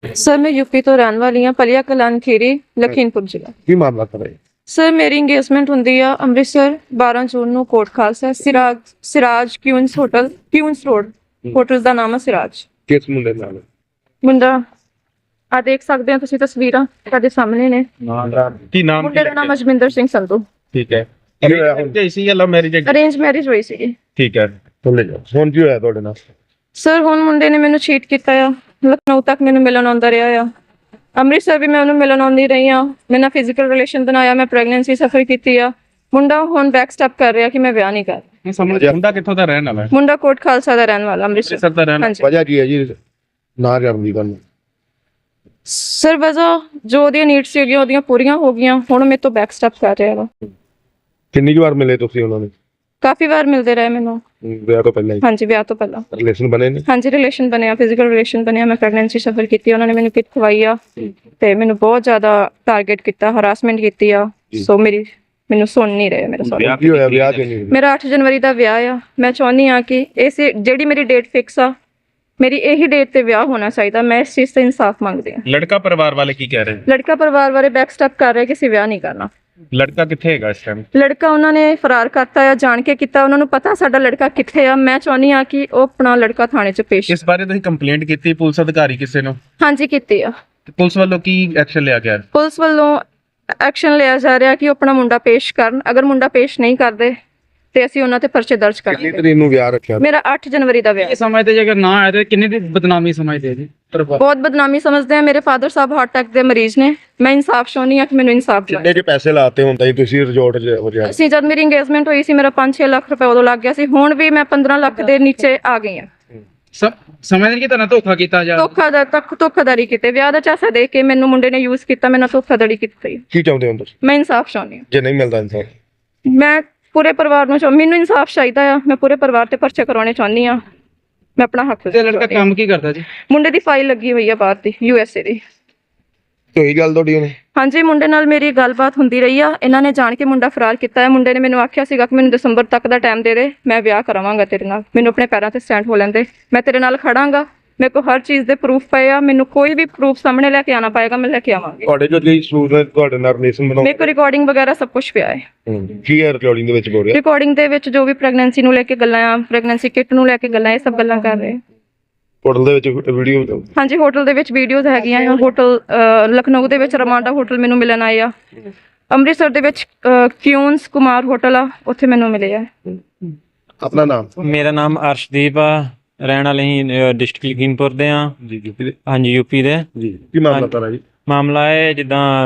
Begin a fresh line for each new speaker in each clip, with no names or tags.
Sir मैं UP तो रहने वाली हाँ, पलिया कलान खीरी लखीमपुर जिला।
ਕੀ ਮਾਮਲਾ ਕਰ ਰਹੇ
सर मेरी इंगेजमेंट ਹੁੰਦੀ ਆ ਅੰਮ੍ਰਿਤਸਰ 12 ਜੂਨ ਨੂੰ Kot Khalsa Siraj Queens hotel Queens road hotel ਦਾ ਨਾਮ ਹੈ ਸਿਰਾਜ।
ਕਿਸ ਮੁੰਡੇ ਨਾਲ
ਮੁੰਡਾ ਆ ਦੇਖ ਸਕਦੇ ਹੋ ਤੁਸੀਂ ਤਸਵੀਰਾਂ ਤੁਹਾਡੇ ਸਾਹਮਣੇ ਨੇ।
ਕੀ ਨਾਮ
ਮੁੰਡੇ ਦਾ ਨਾਮ ਅਜਮਿੰਦਰ ਸਿੰਘ ਸੰਧੂ।
ਠੀਕ ਹੈ
ਕੀ ਹੋਇਆ ਹੁਣ?
ਇਸੀ ਲਵ ਮੈਰਿਜ
ਅਰੇਂਜ ਮੈਰਿਜ ਹੋਈ ਸੀ।
ਠੀਕ ਹੈ
ਬੋਲੇ ਜਾਓ ਹੁਣ ਕੀ ਹੋਇਆ ਤੁਹਾਡੇ ਨਾਲ?
ਸਰ ਹੁਣ ਮੁੰਡੇ ਨੇ ਮੈਨੂੰ ਚੀਟ ਕੀਤਾ ਆ, ਲਖਨਊ ਤੱਕ ਮੈਨੂੰ ਮਿਲਣ ਆਉਂਦਾ ਰਿਹਾ ਆ, ਅੰਮ੍ਰਿਤਸਰ ਵੀ ਮੈਂ ਉਹਨੂੰ ਮਿਲਣ ਆਉਂਦੀ ਰਹੀ ਆ, ਮੈਂ ਨਾਲ ਫਿਜ਼ੀਕਲ ਰਿਲੇਸ਼ਨ ਬਣਾਇਆ, ਮੈਂ ਪ੍ਰੈਗਨੈਂਸੀ ਸਫਰ ਕੀਤੀ ਆ। ਮੁੰਡਾ ਹੁਣ ਬੈਕ ਸਟੈਪ ਕਰ ਰਿਹਾ ਕਿ ਮੈਂ ਵਿਆਹ ਨਹੀਂ ਕਰ।
ਮੁੰਡਾ ਕਿੱਥੋਂ ਦਾ ਰਹਿਣ ਵਾਲਾ ਹੈ?
ਮੁੰਡਾ ਕੋਟ ਖਾਲਸਾ ਦਾ ਰਹਿਣ ਵਾਲਾ ਅੰਮ੍ਰਿਤਸਰ
ਦਾ ਰਹਿਣ
ਹਾਂਜੀ।
ਵਜ੍ਹਾ ਕੀ ਹੈ ਜੀ ਨਾ ਕਰਨ ਦੀ ਗੱਲ?
ਸਰ ਵਜ੍ਹਾ ਜੋ ਉਹਦੀਆਂ ਨੀਡਸ ਸੀਗੀਆਂ ਉਹਦੀਆਂ ਪੂਰੀਆਂ ਹੋ ਗਈਆਂ, ਹੁਣ ਮੇਰੇ ਤੋਂ ਬੈਕ ਸਟੈਪ ਕਰ ਰਿਹਾ ਵਾ।
ਕਿੰਨੀ ਕੁ ਵਾਰ ਮਿਲੇ ਤੁਸੀਂ ਉਹਨਾਂ ਨੂੰ?
ਕਾਫੀ ਵਾਰ ਮਿਲਦੇ ਰਹੇ ਮੈਨੂੰ।
ਵਿਆਹ ਤੋਂ ਪਹਿਲਾਂ ਹੀ
ਹਾਂਜੀ ਵਿਆਹ ਤੋਂ ਪਹਿਲਾਂ
ਰਿਲੇਸ਼ਨ ਬਣੇ ਨੇ?
ਹਾਂਜੀ ਰਿਲੇਸ਼ਨ ਬਣਿਆ, ਫਿਜ਼ੀਕਲ ਰਿਲੇਸ਼ਨ ਬਣਿਆ, ਮੈਂ ਪ੍ਰੈਗਨੈਂਸੀ ਸਫਰ ਕੀਤੀ, ਉਹਨਾਂ ਨੇ ਮੈਨੂੰ ਕਿਟ ਖਵਾਈ ਆ ਤੇ ਮੈਨੂੰ ਬਹੁਤ ਜ਼ਿਆਦਾ ਟਾਰਗੇਟ ਕੀਤਾ, ਹਰਾਸਮੈਂਟ ਕੀਤੀ ਆ। ਸੋ ਮੈਨੂੰ ਸੁਣ ਨਹੀਂ ਰਹੇ ਮੇਰੇ ਸਾਰੇ।
ਕੀ ਹੋਇਆ ਵਿਆਹ ਕਿਉਂ ਨਹੀਂ?
ਮੇਰਾ 8 ਜਨਵਰੀ ਦਾ ਵਿਆਹ ਆ। ਮੈਂ ਚਾਹੁੰਦੀ ਆ ਕਿ ਇਸ ਜਿਹੜੀ ਮੇਰੀ ਡੇਟ ਫਿਕਸ ਆ, ਮੇਰੀ ਇਹੀ ਡੇਟ ਤੇ ਵਿਆਹ ਹੋਣਾ ਚਾਹੀਦਾ। ਮੈਂ ਇਸ ਚੀਜ਼ ਤੇ ਇਨਸਾਫ ਮੰਗਦੀ ਹਾਂ।
ਲੜਕਾ ਪਰਿਵਾਰ ਵਾਲੇ ਕੀ ਕਹਿ ਰਹੇ?
ਲੜਕਾ ਪਰਿਵਾਰ ਵਾਲੇ ਬੈਕ ਸਟੈਪ ਕਰ ਰਹੇ ਕਿ ਅਸੀਂ ਵਿਆਹ ਨਹੀਂ ਕਰਨਾ।
ਲੜਕਾ ਕਿੱਥੇ ਹੈਗਾ ਇਸ ਟਾਈਮ?
ਲੜਕਾ ਉਹਨਾਂ ਨੇ ਫਰਾਰ ਕਰਤਾ ਆ, ਜਾਣ ਕੇ ਕੀਤਾ। ਉਹਨਾਂ ਨੂੰ ਪਤਾ ਸਾਡਾ ਲੜਕਾ ਕਿੱਥੇ ਆ। ਮੈਂ ਚਾਹੁੰਦੀ ਆ ਕਿ ਉਹ ਆਪਣਾ ਲੜਕਾ ਥਾਣੇ 'ਚ ਪੇਸ਼।
ਇਸ ਬਾਰੇ ਤੁਸੀਂ ਕੰਪਲੇਂਟ ਕੀਤੀ ਪੁਲਿਸ ਅਧਿਕਾਰੀ ਕਿਸੇ ਨੂੰ?
ਹਾਂਜੀ ਕੀਤੀ ਆ।
ਤੇ ਪੁਲਿਸ ਵੱਲੋਂ ਕੀ ਐਕਸ਼ਨ ਲਿਆ ਗਿਆ?
ਪੁਲਿਸ ਵੱਲੋਂ ਐਕਸ਼ਨ ਲਿਆ ਜਾ ਰਿਹਾ ਕਿ ਉਹ ਆਪਣਾ ਮੁੰਡਾ ਪੇਸ਼ ਕਰਨ। ਅਗਰ ਮੁੰਡਾ ਪੇਸ਼ ਨਹੀਂ ਕਰਦੇ ਤੇ ਅਸੀਂ ਉਹਨਾਂ ਤੇ ਪਰਚੇ ਦਰਜ
ਕਿੰਨੀ
ਕਰਾਂਗੇ।
ਤਰੀਕ ਨੂੰ ਵਿਆਹ ਰੱਖਿਆ?
ਮੇਰਾ 8 ਜਨਵਰੀ ਦਾ ਵਿਆਹ।
ਸਮਝਦੇ ਜੇ ਅਗਰ ਨਾ ਆਏ ਤਾਂ ਕਿੰਨੀ ਦੀ ਬਦਨਾਮੀ ਸਮਝਦੇ ਜੀ?
ਬਹੁਤ ਬਦਨਾਮੀ ਸਮਝਦੇ ਆ। ਮੇਰੇ ਫਾਦਰ ਸਾਹਿਬ ਹਾਰਟ ਅਟੈਕ ਦੇ ਮਰੀਜ਼ ਨੇ। ਮੈਂ ਇਨਸਾਫ ਚਾਹੁੰਦੀ ਆ ਕਿ ਮੈਨੂੰ ਇਨਸਾਫ ਦਿਵਾਓ।
ਕਿੰਨੇ ਕੇ ਪੈਸੇ ਲਾਤੇ ਹੁੰਦਾ ਜੀ ਤੁਸੀਂ ਰਿਜ਼ੋਰਟ 'ਚ ਹੋ ਜਾ?
ਅਸੀਂ ਜਦ ਮੇਰੀ ਇੰਗੇਜਮੈਂਟ ਹੋਈ ਸੀ ਮੇਰਾ 5-6 ਲੱਖ ਰੁਪਏ ਉਦੋਂ ਲੱਗ ਗਿਆ ਸੀ। ਹੁਣ ਵੀ ਮੈਂ 15 ਲੱਖ ਦੇ ਨੀਚੇ ਆ ਗਈ ਆ।
ਸਮਝਦੇ ਕਿ ਤੁਹਾਨੂੰ ਧੋਖਾ ਕੀਤਾ ਜਾ?
ਧੋਖਾਧੜੀ ਕੀਤੇ, ਵਿਆਹ ਦਾ ਚਾਸਾ ਦੇ ਕੇ ਮੈਨੂੰ ਮੁੰਡੇ ਨੇ ਯੂਜ਼ ਕੀਤਾ, ਮੈਨੂੰ ਧੋਖਾਧੜੀ ਕੀਤੀ।
ਕੀ ਚਾਹੁੰਦੇ ਹੋ ਤੁਸੀਂ?
ਮੈਂ ਇਨਸਾਫ ਚਾਹੁੰਦੀ ਹਾਂ।
ਜੇ ਨਹੀਂ ਮਿਲਦਾ ਇਨਸਾਨ?
ਮੈਂ ਪੂਰੇ ਪਰਿਵਾਰ ਨੂੰ ਮੈਨੂੰ ਇਨਸਾਫ ਚਾਹੀਦਾ ਆ। ਮੈਂ ਪੂਰੇ ਪਰਿਵਾਰ ਤੇ ਪਰਚੇ ਕਰਾਉਣੇ ਚਾਹੁੰਦੀ ਆ। ਮੈਂ ਆਪਣਾ ਹੱਕ।
ਤੇ ਲੜਕਾ ਕੰਮ ਕੀ ਕਰਦਾ ਜੀ?
ਮੁੰਡੇ ਦੀ ਫਾਈਲ ਲੱਗੀ ਹੋਈ ਆ ਬਾਹਰ ਦੀ USA ਦੀ।
ਕੋਈ ਗੱਲ ਤੁਹਾਡੀ ਉਹਨੇ?
ਹਾਂਜੀ ਮੁੰਡੇ ਨਾਲ ਮੇਰੀ ਗੱਲਬਾਤ ਹੁੰਦੀ ਰਹੀ ਆ। ਇਹਨਾਂ ਨੇ ਜਾਣ ਕੇ ਮੁੰਡਾ ਫਰਾਰ ਕੀਤਾ ਹੈ। ਮੁੰਡੇ ਨੇ ਮੈਨੂੰ ਆਖਿਆ ਸੀਗਾ ਕਿ ਮੈਨੂੰ ਦਸੰਬਰ ਤੱਕ ਦਾ ਟਾਈਮ ਦੇ ਦੇ, ਮੈਂ ਵਿਆਹ ਕਰਾਵਾਂਗਾ ਤੇਰੇ ਨਾਲ, ਮੈਨੂੰ ਆਪਣੇ ਪੈਰਾਂ ਤੇ ਸਟੈਂਡ ਹੋ ਲੈਂਦੇ, ਮੈਂ ਤੇਰੇ ਨਾਲ ਖੜਾਂਗਾ, ਮੇਰੇ ਕੋਲ ਹਰ ਚੀਜ਼ ਦੇ ਪ੍ਰੂਫ ਪਏ ਆ, ਮੈਨੂੰ ਕੋਈ ਵੀ ਪ੍ਰੂਫ ਸਾਹਮਣੇ ਲੈ ਕੇ ਆਣਾ ਪਏਗਾ, ਮੈਂ ਲੈ ਕੇ ਆਵਾਂਗੀ।
ਤੁਹਾਡੇ ਜੋ ਜੀ ਸੂਟ ਹੈ ਤੁਹਾਡੇ ਨਾਲ ਰਿਲੇਸ਼ਨ ਬਣਾਉ?
ਮੇਰੇ ਕੋਲ ਰਿਕਾਰਡਿੰਗ ਵਗੈਰਾ ਸਭ ਕੁਝ ਪਿਆ ਹੈ।
ਕੀ ਹੈ ਰਿਕਾਰਡਿੰਗ ਦੇ ਵਿੱਚ ਬੋਲ ਰਿਹਾ?
ਰਿਕਾਰਡਿੰਗ ਦੇ ਵਿੱਚ ਜੋ ਵੀ ਪ੍ਰੈਗਨੈਂਸੀ ਨੂੰ ਲੈ ਕੇ ਗੱਲਾਂ ਆ, ਪ੍ਰੈਗਨੈਂਸੀ ਕਿਟ ਨੂੰ ਲੈ ਕੇ ਗੱਲਾਂ, ਇਹ ਸਭ ਗੱਲਾਂ ਕਰ ਰਹੇ।
ਹੋਟਲ ਦੇ ਵਿੱਚ ਵੀਡੀਓ?
ਹਾਂਜੀ ਹੋਟਲ ਦੇ ਵਿੱਚ ਵੀਡੀਓਜ਼ ਹੈਗੀਆਂ ਆ। ਹੋਟਲ ਲਖਨਊ ਦੇ ਵਿੱਚ ਰਮਾਂਡਾ ਹੋਟਲ ਮੈਨੂੰ ਮਿਲਣ ਆਏ ਆ। ਅੰਮ੍ਰਿਤਸਰ ਦੇ ਵਿੱਚ ਕਿਊਨਸ ਕੁਮਾਰ ਹੋਟਲ ਆ, ਉੱਥੇ ਮੈਨੂੰ ਮਿਲੇ ਆ।
ਆਪਣਾ ਨਾਮ?
ਮੇਰਾ ਨਾਮ ਅਰਸ਼ਦੀਪ ਆ, ਰਹਿਣ ਵਾਲੇ ਹੀ ਡਿਸਟ੍ਰਿਕਟ ਲਖੀਮਪੁਰ ਦੇ ਆ
ਜੀ ਯੂਪੀ ਦੇ?
ਹਾਂਜੀ ਯੂਪੀ ਦੇ।
ਜੀ ਕੀ ਮਾਮਲਾ ਤਾਰਾ ਜੀ?
ਮਾਮਲਾ ਹੈ ਜਿੱਦਾਂ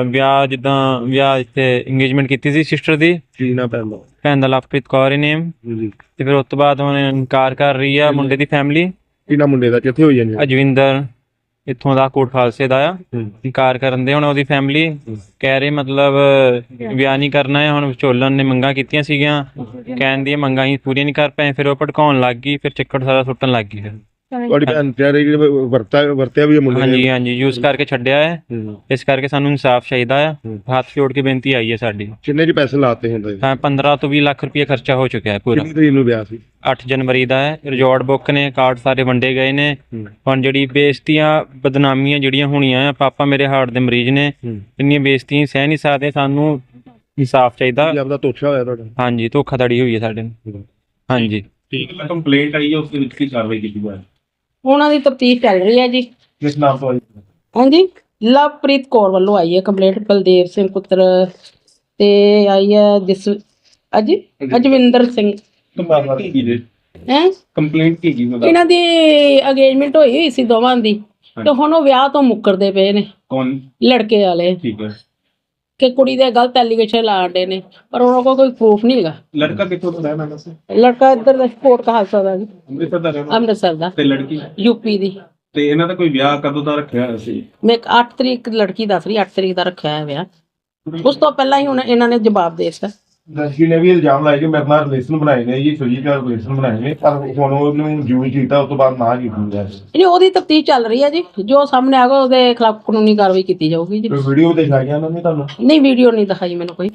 ਵਿਆਹ ਇੱਥੇ ਇੰਗੇਜਮੈਂਟ ਕੀਤੀ ਸੀ ਸਿਸਟਰ ਦੀ।
ਕੀ ਨਾ ਪੈਂਦਾ?
ਭੈਣ ਦਾ ਲਵਪ੍ਰੀਤ ਕੌਰ ਹੀ ਨੇਮ।
ਜੀ
ਤੇ ਫਿਰ ਉਸ ਤੋਂ ਬਾਅਦ ਹੁਣ ਇਨਕਾਰ ਕਰ ਰਹੀ ਆ ਮੁੰਡੇ ਦੀ ਫੈਮਿਲੀ।
ਕੀ ਨਾ ਮੁੰਡੇ ਦਾ ਕਿੱਥੇ ਹੋਈ ਜਾਂਦੀ?
ਅਜਵਿੰਦਰ ਇੱਥੋਂ ਦਾ ਕੋਟ ਖਾਲਸੇ ਦਾ ਆ। ਇਨਕਾਰ ਕਰਨ ਦੇ ਹੁਣ ਉਹਦੀ ਫੈਮਿਲੀ ਕਹਿ ਰਹੀ ਮਤਲਬ ਵਿਆਹ ਨਹੀਂ ਕਰਨਾ ਹੈ। ਹੁਣ ਵਿਚੋਲਨ ਨੇ ਮੰਗਾਂ ਕੀਤੀਆਂ ਸੀਗੀਆਂ, ਕਹਿਣ ਦੀਆਂ ਮੰਗਾਂ ਹੀ ਪੂਰੀਆਂ ਨਹੀਂ ਕਰ ਪਏ। ਫਿਰ ਉਹ ਭੜਕਾਉਣ ਲੱਗ ਗਈ, ਫਿਰ ਚੱਕਰ ਸਾਰਾ ਸੁੱਟਣ ਲੱਗ ਗਈ। ਫਿਰ
ਤੁਹਾਡੀ ਭੈਣ ਕਹਿ ਰਹੀ ਕਿ ਵਰਤਿਆ ਵੀ ਹੈ ਮੁੰਡੇ ਨੇ?
ਹਾਂਜੀ ਯੂਜ਼ ਕਰਕੇ ਛੱਡਿਆ ਹੈ। ਇਸ ਕਰਕੇ ਸਾਨੂੰ ਇਨਸਾਫ ਚਾਹੀਦਾ ਆ। ਹੱਥ ਜੋੜ ਕੇ ਬੇਨਤੀ ਆਈ ਹੈ ਸਾਡੀ।
ਕਿੰਨੇ ਜੀ ਪੈਸੇ ਲਾਤੇ ਹੁੰਦੇ?
15 ਤੋਂ 20 ਲੱਖ ਰੁਪਏ ਖਰਚਾ ਹੋ ਚੁੱਕਿਆ ਹੈ ਪੂਰਾ।
ਕਿੰਨੀ ਤਰੀਕ ਨੂੰ ਵਿਆਹ ਸੀ?
8 ਜਨਵਰੀ ਦਾ ਹੈ। ਰਿਜ਼ੋਰਟ ਬੁੱਕ ਨੇ, ਕਾਰਡ ਸਾਰੇ ਵੰਡੇ ਗਏ ਨੇ। ਹੁਣ ਜਿਹੜੀ ਬੇਇੱਜ਼ਤੀਆਂ ਬਦਨਾਮੀਆਂ ਜਿਹੜੀਆਂ ਹੋਣੀਆਂ ਆ, ਪਾਪਾ ਮੇਰੇ ਹਾਰਟ ਦੇ ਮਰੀਜ਼ ਨੇ, ਇੰਨੀਆਂ ਬੇਇੱਜ਼ਤੀਆਂ ਸਹਿ ਨਹੀਂ ਸਕਦੇ। ਸਾਨੂੰ ਇਨਸਾਫ ਚਾਹੀਦਾ।
ਆਪਦਾ ਤੋਛਾ ਹੋਇਆ ਤੁਹਾਡਾ?
ਹਾਂਜੀ ਧੋਖਾਧੜੀ ਹੋਈ ਹੈ ਸਾਡੇ ਨਾਲ। ਹਾਂਜੀ
ਠੀਕ ਹੈ। ਕੰਪਲੇਂਟ ਆਈ ਹੈ, ਉਸ ਦੇ ਵਿੱਚ ਕੀ ਕਾਰਵਾਈ ਕੀਤੀ ਜਾਏ?
ਉਹਨਾਂ ਦੀ ਤਫਤੀਸ਼ ਚੱਲ ਰਹੀ ਹੈ ਜੀ।
ਕਿਸ ਨਾਮ ਤੋਂ ਆਈ?
ਹਾਂਜੀ ਲਵਪ੍ਰੀਤ ਕੌਰ ਵੱਲੋਂ ਆਈ ਹੈ ਕੰਪਲੇਂਟ। ਬਲਦੇਵ ਸਿੰਘ ਪੁੱਤਰ ਤੇ ਆਈ ਹੈ ਅਜਵਿੰਦਰ ਸਿੰਘ ਹੈ।
ਕੰਪਲੇਂਟ ਕੀ ਜੀ?
ਇਹਨਾਂ ਦੀ ਅੰਗੇਜਮੈਂਟ ਹੋਈ ਸੀ ਦੋਵਾਂ ਦੀ, ਤੇ ਹੁਣ ਉਹ ਵਿਆਹ ਤੋਂ ਮੁੱਕਰਦੇ ਪਏ ਨੇ
ਕੌਣ?
ਲੜਕੇ ਵਾਲੇ।
ਠੀਕ ਹੈ।
ਕਿ ਕੁੜੀ ਦੇ ਗਲਤ ਐਲੀਗੇਸ਼ਨ ਲਾਉਂਦੇ ਨੇ, ਪਰ ਉਹਨਾਂ ਕੋਲ ਕੋਈ ਪ੍ਰੂਫ ਨਹੀਂ ਹੈਗਾ।
ਲੜਕਾ ਕਿੱਥੋਂ ਦਾ ਰਹਿਣ ਵਾਲਾ ਸੀ?
ਲੜਕਾ ਇੱਧਰ ਦਾ ਕੋਟ ਖਾਲਸਾ ਦਾ ਜੀ,
ਅੰਮ੍ਰਿਤਸਰ ਦਾ ਰਹਿਣ ਵਾਲਾ?
ਅੰਮ੍ਰਿਤਸਰ ਦਾ।
ਤੇ ਲੜਕੀ?
ਯੂਪੀ ਦੀ।
ਤੇ ਇਹਨਾਂ ਦਾ ਕੋਈ ਵਿਆਹ ਕਦੋਂ ਦਾ ਰੱਖਿਆ ਹੋਇਆ ਸੀ?
ਮੈਂ 8 ਤਰੀਕ ਲੜਕੀ ਦੱਸ ਰਹੀ, 8 ਤਰੀਕ ਦਾ ਰੱਖਿਆ ਹੈ ਵਿਆਹ। ਉਸ ਤੋਂ ਪਹਿਲਾਂ ਹੀ ਹੁਣ ਇਹਨਾਂ ਨੇ ਜਵਾਬ ਦੇ ਦਿੱਤਾ।
ਲੜਕੀ ਨੇ ਵੀ ਇਲਜ਼ਾਮ ਲਾਇਆ ਕਿ ਮੇਰੇ ਨਾਲ ਰਿਲੇਸ਼ਨ ਬਣਾਏ ਨੇ ਜੀ, ਫਿਜ਼ੀਕਲ ਰਿਲੇਸ਼ਨ ਬਣਾਏ ਨੇ, ਪਰ ਹੁਣ ਉਹਨੂੰ ਯੂਜ਼ ਕੀਤਾ, ਉਸ ਤੋਂ ਬਾਅਦ ਨਾ ਕੀਤੀ ਜਾ ਰਹੀ।
ਨਹੀਂ ਉਹਦੀ ਤਫਤੀਸ਼ ਚੱਲ ਰਹੀ ਹੈ ਜੀ। ਜੋ ਸਾਹਮਣੇ ਆਗਾ ਉਹਦੇ ਖਿਲਾਫ ਕਾਨੂੰਨੀ ਕਾਰਵਾਈ ਕੀਤੀ ਜਾਊਗੀ ਜੀ।
ਵੀਡੀਓ ਦਿਖਾਈਆਂ ਉਹਨਾਂ ਨੇ ਤੁਹਾਨੂੰ?
ਨਹੀਂ ਵੀਡੀਓ ਨਹੀਂ ਦਿਖਾਈ ਮੈਨੂੰ ਕੋਈ।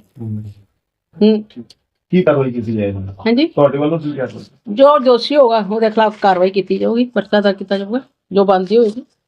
ਕੀ ਕਾਰਵਾਈ ਕੀਤੀ ਜਾਏਗੀ
ਹਾਂਜੀ
ਤੁਹਾਡੇ ਵੱਲੋਂ? ਕੀ ਕਰ ਸਕਦੇ?
ਜੋ ਦੋਸ਼ੀ ਹੋਗਾ ਉਹਦੇ ਖਿਲਾਫ ਕਾਰਵਾਈ ਕੀਤੀ ਜਾਊਗੀ, ਪਰਚਾ ਦਰਜ ਕੀਤਾ ਜਾਊਗਾ, ਜੋ ਬਣਦੀ ਹੋਏਗੀ।